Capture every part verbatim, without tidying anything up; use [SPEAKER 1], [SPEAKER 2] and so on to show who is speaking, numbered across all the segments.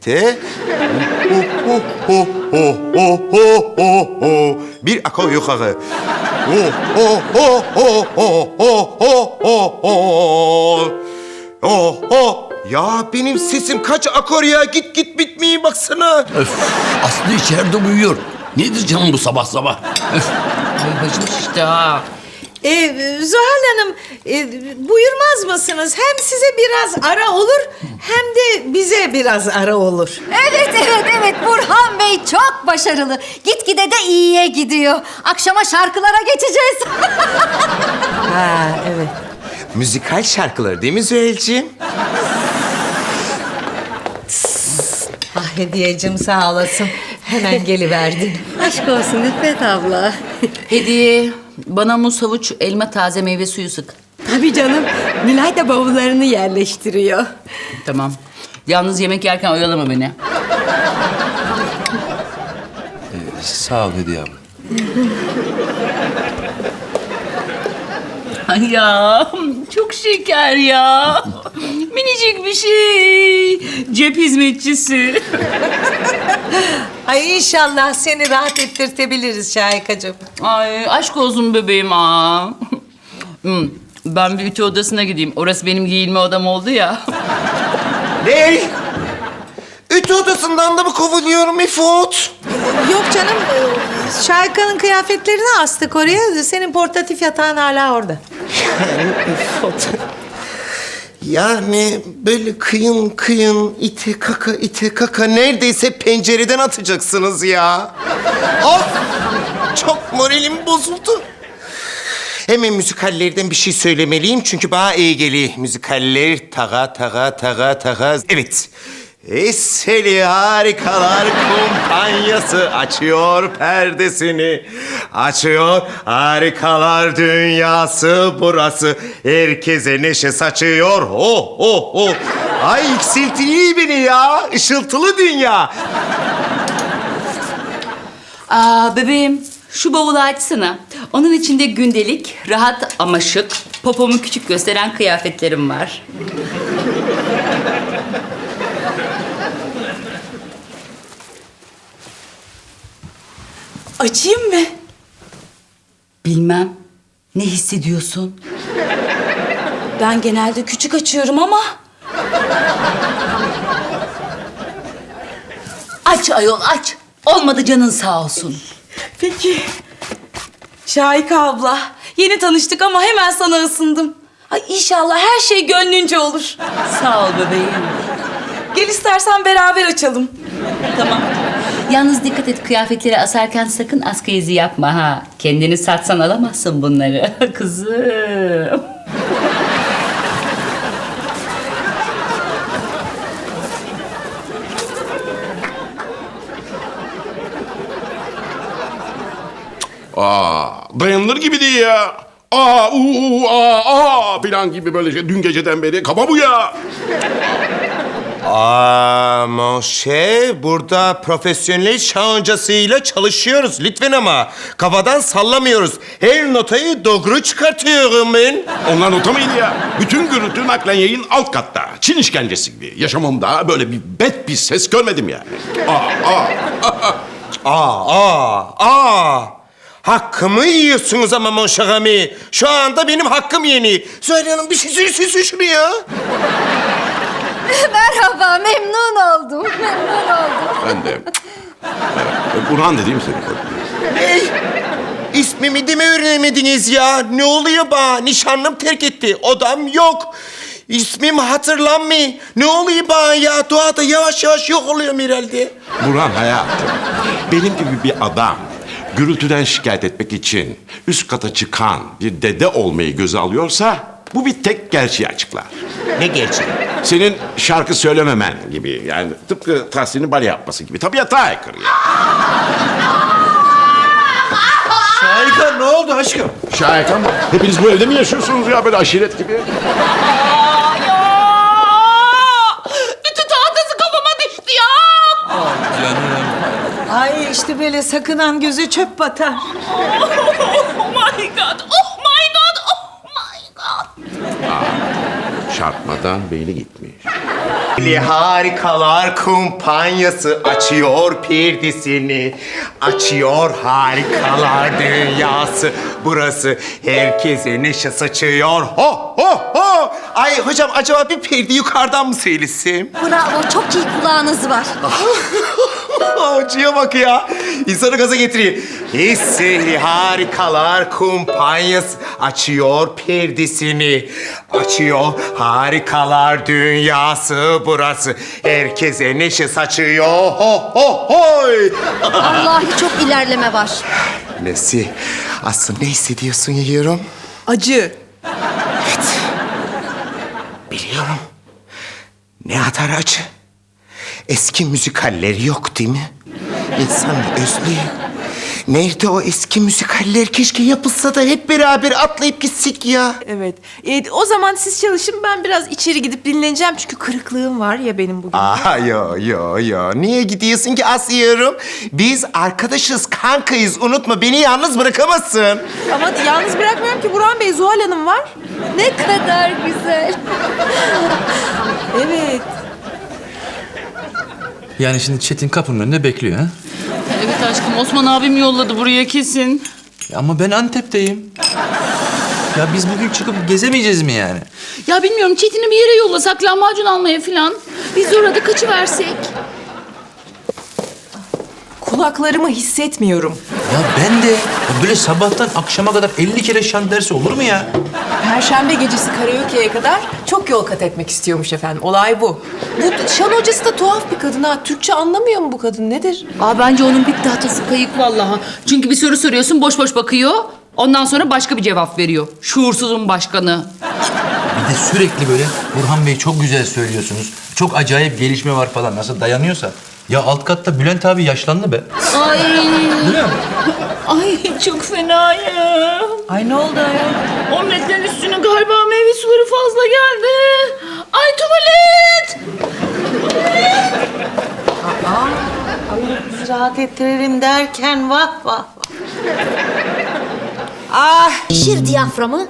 [SPEAKER 1] birlikte. Ho, ho, ho, ho, ho, ho, ho. Bir akor yukarı. Ho, ho, ho, ho, ho, ho, ho, ho, ho. Oh, oh. Ya benim sesim kaç akor ya? Git git bitmeyi baksana.
[SPEAKER 2] Öf, Aslı içeride uyuyor. Nedir canım bu sabah sabah? Öf.
[SPEAKER 3] Ay başım şişti ha.
[SPEAKER 4] Ee, Zuhal Hanım, e, buyurmaz mısınız? Hem size biraz ara olur, hem de bize biraz ara olur.
[SPEAKER 5] Evet, evet, evet. Burhan Bey çok başarılı. Gitgide de iyiye gidiyor. Akşama şarkılara geçeceğiz.
[SPEAKER 4] Ha, evet.
[SPEAKER 1] Müzikal şarkılar değil mi Züheyl'ciğim?
[SPEAKER 4] Ah Hediyeciğim sağ olasın. Hemen geliverdin.
[SPEAKER 5] Aşk olsun İffet abla.
[SPEAKER 3] Hediye, bana muz, havuç, elma, taze meyve suyu sık.
[SPEAKER 6] Tabii canım. Nilay da bavullarını yerleştiriyor.
[SPEAKER 3] Tamam. Yalnız yemek yerken oyalama beni.
[SPEAKER 2] Sağ ol Hediye abla.
[SPEAKER 3] Ay ya, çok şeker ya. Minicik bir şey. Cep hizmetçisi.
[SPEAKER 4] Ay inşallah seni rahat ettirtebiliriz Şahikacığım.
[SPEAKER 3] Ay aşk olsun bebeğim aa. Hmm, ben bir ütü odasına gideyim. Orası benim giyinme odam oldu ya.
[SPEAKER 1] Ne? Ütü odasından da mı kovuluyorum İfot?
[SPEAKER 4] Yok canım, e, Şahika'nın kıyafetlerini astık oraya. Senin portatif yatağın hala orada.
[SPEAKER 1] İfot. Yani böyle kıyın kıyın ite kaka ite kaka neredeyse pencereden atacaksınız ya. Of! Çok moralim bozuldu. Hemen müzikallerden bir şey söylemeliyim çünkü bana iyi geliyor. Müzikaller taga taga taga taga. Evet. Eseli Harikalar Kumpanyası açıyor perdesini. Açıyor harikalar dünyası burası. Herkese neşe saçıyor. Oh oh oh. Ay yükseltiliyor beni ya. Işıltılı dünya.
[SPEAKER 3] Aa bebeğim, şu bavulu açsana. Onun içinde gündelik, rahat ama şık, popomu küçük gösteren kıyafetlerim var.
[SPEAKER 6] Açayım mı?
[SPEAKER 3] Bilmem. Ne hissediyorsun?
[SPEAKER 6] Ben genelde küçük açıyorum ama...
[SPEAKER 3] Aç ayol aç. Olmadı canın sağ olsun.
[SPEAKER 6] Peki. Şahika abla, yeni tanıştık ama hemen sana ısındım. Ay inşallah her şey gönlünce olur.
[SPEAKER 3] Sağ ol bebeğim.
[SPEAKER 6] Gel istersen beraber açalım.
[SPEAKER 3] Tamam. Yalnız dikkat et, kıyafetleri asarken sakın askı izi yapma ha. Kendini satsan alamazsın bunları kızım.
[SPEAKER 7] Aa, dayanılır gibi değil ya. Aa, uu, aa, aa filan gibi böyle şey. Dün geceden beri kafa bu ya.
[SPEAKER 1] Aa, Monşe, burada profesyonel şahancasıyla çalışıyoruz lütfen ama. Kafadan sallamıyoruz. Her notayı doğru çıkartıyorum ben.
[SPEAKER 7] Onlar nota mıydı ya? Bütün gürültü naklen yayın alt katta. Çin işkencesi gibi. Yaşamımda böyle bir bet bir ses görmedim yani. Aa, aa.
[SPEAKER 1] Aa, aa, aa. Hakkımı yiyorsunuz ama Monşagami. Şu anda benim hakkım yeni. Söyle Hanım bir şey söylesin şuraya.
[SPEAKER 5] Merhaba, memnun oldum. Memnun oldum.
[SPEAKER 7] Ben de. Evet. Burhan dediğim senin.
[SPEAKER 1] Ne? İsmimi de mi öğrenemediniz ya? Ne oluyor bana? Nişanlım terk etti. Odam yok. İsmim hatırlanmıyor. Ne oluyor bana ya? Doğada yavaş yavaş yok oluyorum herhalde.
[SPEAKER 7] Burhan hayatım. Benim gibi bir adam gürültüden şikayet etmek için üst kata çıkan bir dede olmayı göze alıyorsa bu bir tek gerçeği açıklar.
[SPEAKER 1] Ne gerçeği?
[SPEAKER 7] Senin şarkı söylememen gibi yani tıpkı Tahsin'in bale yapması gibi tabiata aykırı ya.
[SPEAKER 1] Şahika ne oldu aşkım?
[SPEAKER 7] Şahika mı? Hepiniz bu evde mi yaşıyorsunuz ya böyle aşiret gibi?
[SPEAKER 3] Ütü tahtası kafama düştü ya.
[SPEAKER 4] Ay işte böyle sakınan göze çöp batar.
[SPEAKER 3] Oh my god, oh my god, oh my god.
[SPEAKER 7] Çarpmadan beyni gitmiş.
[SPEAKER 1] Harikalar kumpanyası açıyor perdesini. Açıyor harikalar dünyası. Burası herkese neşe saçıyor. Ho ho ho! Ay hocam acaba bir perde yukarıdan mı söylesem?
[SPEAKER 5] Bravo, çok iyi kulağınız var.
[SPEAKER 1] Hocaya bak ya. İnsanı gaza getiriyor. Hisseli harikalar kumpanyası açıyor perdesini. Açıyor harikalar dünyası burası. Herkese neşe saçıyor. Ho ho hoy.
[SPEAKER 5] Vallahi çok ilerleme var.
[SPEAKER 1] Nesi? Aslı ne hissediyorsun yiyorum?
[SPEAKER 4] Acı.
[SPEAKER 1] Biliyorum. Ne kadar acı. Eski müzikalleri yok değil mi? İnsan özlüyor. Nerede o eski müzikaller? Keşke yapılsa da hep beraber atlayıp gitsek ya.
[SPEAKER 8] Evet. E, o zaman siz çalışın, ben biraz içeri gidip dinleneceğim çünkü kırıklığım var ya benim bugün.
[SPEAKER 1] Aa yo yo yo. Niye gidiyorsun ki Asya'yorum? Biz arkadaşız, kankayız. Unutma beni yalnız bırakamazsın.
[SPEAKER 8] Ama yalnız bırakmıyorum ki, Burhan Bey, Zuhal Hanım var.
[SPEAKER 5] Ne kadar güzel.
[SPEAKER 8] Evet.
[SPEAKER 9] Yani şimdi Çetin kapının önünde bekliyor ha?
[SPEAKER 6] Evet aşkım, Osman abim yolladı buraya kesin.
[SPEAKER 9] Ya ama ben Antep'teyim. Ya biz bugün çıkıp gezemeyeceğiz mi yani?
[SPEAKER 6] Ya bilmiyorum, Çetin'i bir yere yollasak lahmacun almaya falan. Biz de orada kaçıversek.
[SPEAKER 8] Kulaklarımı hissetmiyorum.
[SPEAKER 9] Ya ben de ya böyle sabahtan akşama kadar elli kere şan dersi olur mu ya?
[SPEAKER 8] Perşembe gecesi karaoke'ye kadar çok yol kat etmek istiyormuş efendim. Olay bu. Bu şan hocası da tuhaf bir kadın ha. Türkçe anlamıyor mu bu kadın? Nedir?
[SPEAKER 6] Aa, bence onun bir tahtası kayık vallahi. Çünkü bir soru soruyorsun, boş boş bakıyor. Ondan sonra başka bir cevap veriyor. Şuursuzun başkanı.
[SPEAKER 9] Bir de sürekli böyle Burhan Bey çok güzel söylüyorsunuz. Çok acayip gelişme var falan. Nasıl dayanıyorsa. Ya alt katta Bülent abi yaşlandı be.
[SPEAKER 6] Ay.
[SPEAKER 9] Değil mi?
[SPEAKER 6] Ay çok fena ya.
[SPEAKER 8] Ay ne oldu ya?
[SPEAKER 6] Omletlerin üstüne galiba meyve suları fazla geldi. Ay tuvalet.
[SPEAKER 4] Bizi rahat ettirelim derken vah vah vah. Ah!
[SPEAKER 5] Şir diyaframı.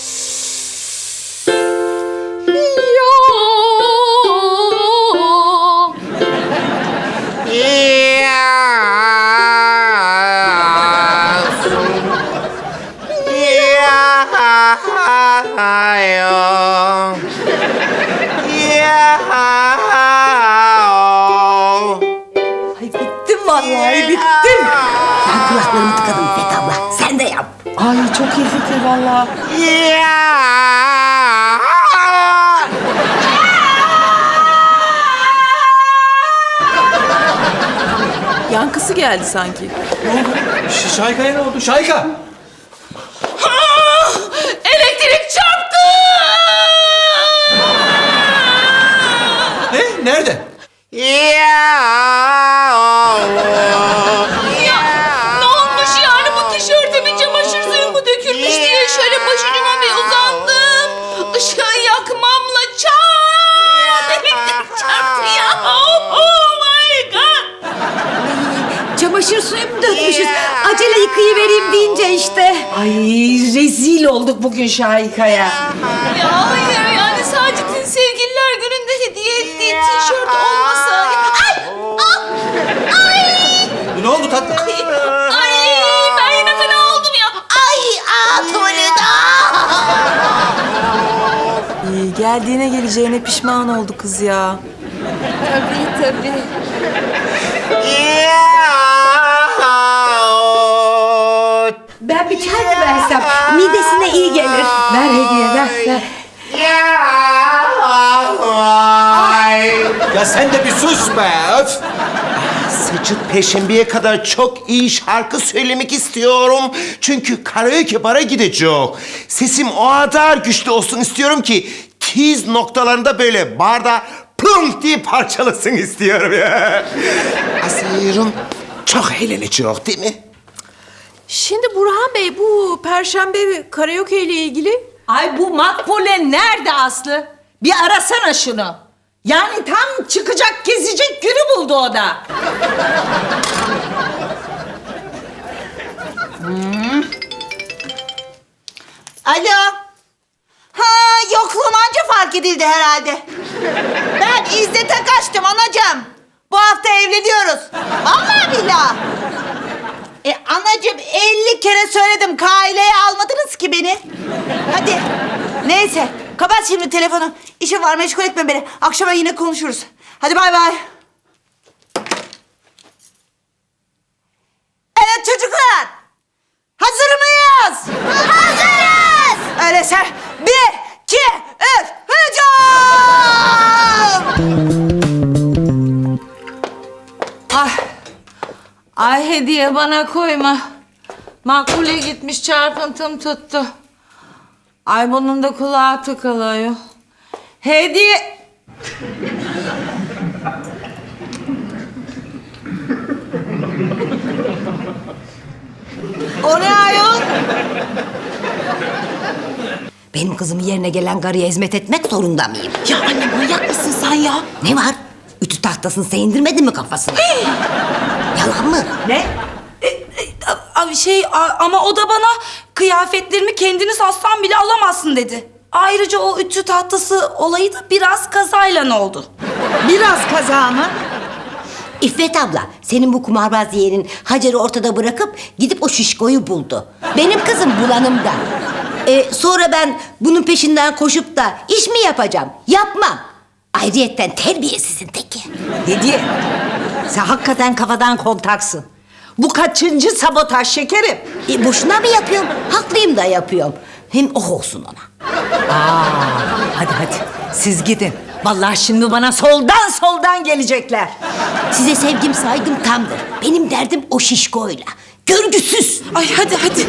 [SPEAKER 4] Ay bittim vallahi bittim.
[SPEAKER 5] Ben kulaklarımı tıkadım İpek abla. Sen de yap.
[SPEAKER 8] Ay çok iyi fikir vallahi. Yankısı geldi sanki.
[SPEAKER 9] Ş- Şayka'ya ne oldu? Şayka!
[SPEAKER 6] Elektrik çarptı.
[SPEAKER 9] Ne? Nerede?
[SPEAKER 6] Ya ne olmuş yani, bu tişörtüme çamaşır suyu mu dökülmüş diye şöyle başucuma bir uzandım. Işığı yakmamla çat elektrik çarptı ya. Oh my god.
[SPEAKER 5] Çamaşır suyu mu dökmüşüz? Acele yıkayıvereyim deyince işte.
[SPEAKER 4] Ay rezil olduk bugün Şahika'ya.
[SPEAKER 6] Ya hayır yani Sacit'in sevgililer gününde hediye ettiği tişört olmasa. Ay! Ah! Ay!
[SPEAKER 9] Ne oldu tatlım?
[SPEAKER 6] Ay! Ben yine fena oldum ya. Ay! Aa tuvalet!
[SPEAKER 8] İyi, geldiğine geleceğine pişman oldu kız ya.
[SPEAKER 5] Tabii tabii. Ben bir çay mı versem? Midesine iyi gelir. Ver hediye ver. ver.
[SPEAKER 9] Ya sen de bir sus be! Öf!
[SPEAKER 1] Sıcıt Perşembe'ye kadar çok iyi şarkı söylemek istiyorum. Çünkü karaoke bara gidecek. Sesim o kadar güçlü olsun istiyorum ki tiz noktalarında böyle barda plum diye parçalasın istiyorum ya. Aslıyorum çok eğlenecek değil mi?
[SPEAKER 8] Şimdi Burhan Bey, bu Perşembe karaoke ile ilgili
[SPEAKER 4] Ay bu Makbule nerede Aslı? Bir arasana şunu. Yani tam çıkacak gezecek günü buldu o da. Hmm.
[SPEAKER 10] Alo. Ha, yokluğum anca fark edildi herhalde. Ben İzzet'e kaçtım anacığım. Bu hafta evleniyoruz. Vallahi billahi. E anacığım elli kere söyledim. Kaileye almadınız ki beni. Hadi. Neyse. Kapat şimdi telefonu. İşim var, meşgul etme beni. Akşama yine konuşuruz. Hadi bay bay. Evet çocuklar. Hazır mıyız? Hazırız. Öyleyse bir, iki, üç, hücum!
[SPEAKER 4] Ay. Ay hediye bana koyma. Makbule gitmiş çarpıntım tuttu. Ay bunun da kulağı tıkalıyor. Hediye... O ne ayol?
[SPEAKER 5] Benim kızımın yerine gelen karıya hizmet etmek zorunda mıyım?
[SPEAKER 10] Ya anne manyak mısın sen ya?
[SPEAKER 5] Ne var? Ütü tahtasını sen indirmedin mi kafasına? Yalan mı?
[SPEAKER 4] Ne?
[SPEAKER 11] Abi şey a- ama o da bana kıyafetlerimi kendini satsan bile alamazsın dedi. Ayrıca o ütü tahtası olayı da biraz kazayla oldu.
[SPEAKER 4] Biraz kaza mı?
[SPEAKER 5] İffet abla, senin bu kumarbaz yeğenin Hacer'i ortada bırakıp gidip o şişkoyu buldu. Benim kızım bulanımda. Ee, sonra ben bunun peşinden koşup da iş mi yapacağım? Yapmam. Ayrıyetten terbiyesizin teki.
[SPEAKER 4] Hediye. Sen hakikaten kafadan kontaksın. Bu kaçıncı sabotaj şekerim?
[SPEAKER 5] E, boşuna mı yapıyorum? Haklıyım da yapıyorum. Hem oh olsun ona.
[SPEAKER 4] Aa, hadi hadi siz gidin. Vallahi şimdi bana soldan soldan gelecekler.
[SPEAKER 5] Size sevgim saygım tamdır. Benim derdim o şişkoyla. Görgüsüz.
[SPEAKER 11] Ay hadi hadi.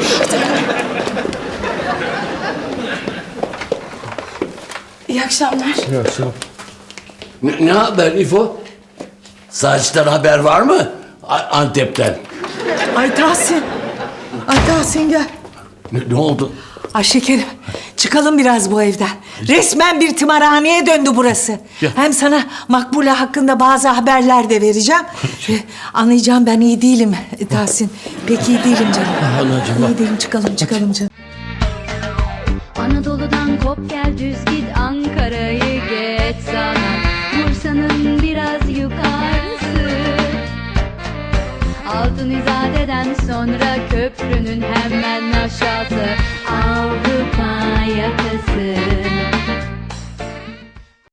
[SPEAKER 11] İyi akşamlar.
[SPEAKER 2] Ne, ne haber İfo? Saçtan haber var mı? A- Antep'ten.
[SPEAKER 4] Ay Tahsin. Ay Tahsin gel.
[SPEAKER 2] Ne, ne oldu?
[SPEAKER 4] Ay şekerim çıkalım biraz bu evden. Resmen bir tımarhaneye döndü burası. Hem sana Makbule hakkında bazı haberler de vereceğim. Ee, Anlayacağım ben iyi değilim Tahsin. Pek iyi değilim canım.
[SPEAKER 2] Anacığım.
[SPEAKER 4] İyi değilim çıkalım çıkalım canım.
[SPEAKER 12] Anadolu'dan kop gel düz git Ankara'yı geç sana Bursa'nın biraz yukarısı Altın İzade'den sonra köprünün hemen aşağısı Avrupa yakası